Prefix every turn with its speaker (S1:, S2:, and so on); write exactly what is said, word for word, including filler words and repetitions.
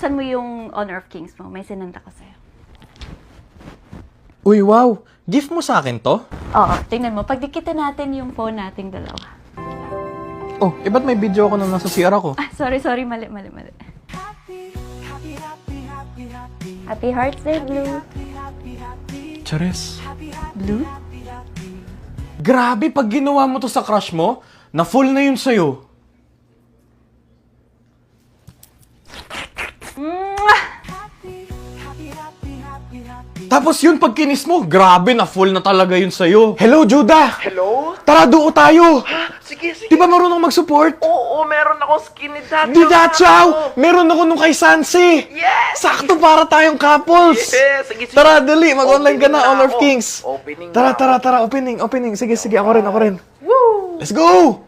S1: buksan mo yung Honor of Kings mo. May sinanda ko sa'yo.
S2: Uy, wow! Gift mo sa akin to?
S1: Oo, tingnan mo. Pagdikitin natin yung phone nating dalawa.
S2: Oh, eh ba't may video ako na nasa C R ako?
S1: Ah, sorry, sorry. Mali, mali, mali. Happy Hearts Day, Blue.
S2: Charis.
S1: Blue?
S2: Grabe, pag ginawa mo to sa crush mo, na full na yun sa'yo. Tapos yun, pag kinis mo, grabe, na full na talaga yun sa'yo. Hello, Judah!
S3: Hello?
S2: Tara, duo tayo!
S3: Sige, sige.
S2: Di ba marunong mag-support?
S3: Oo, meron akong skinny tattoo.
S2: Di Dachaw! Meron ako nung kay Sansi!
S3: Yes!
S2: Sakto para tayong couples!
S3: Yes! Sige, sige.
S2: Tara, dali! Mag-online ka
S3: Opening
S2: na, Honor of
S3: ako.
S2: Kings!
S3: Opening
S2: Tara,
S3: na
S2: tara,
S3: ako.
S2: tara, opening, opening. Sige, sige, ako rin, ako rin.
S3: Woo!
S2: Let's go!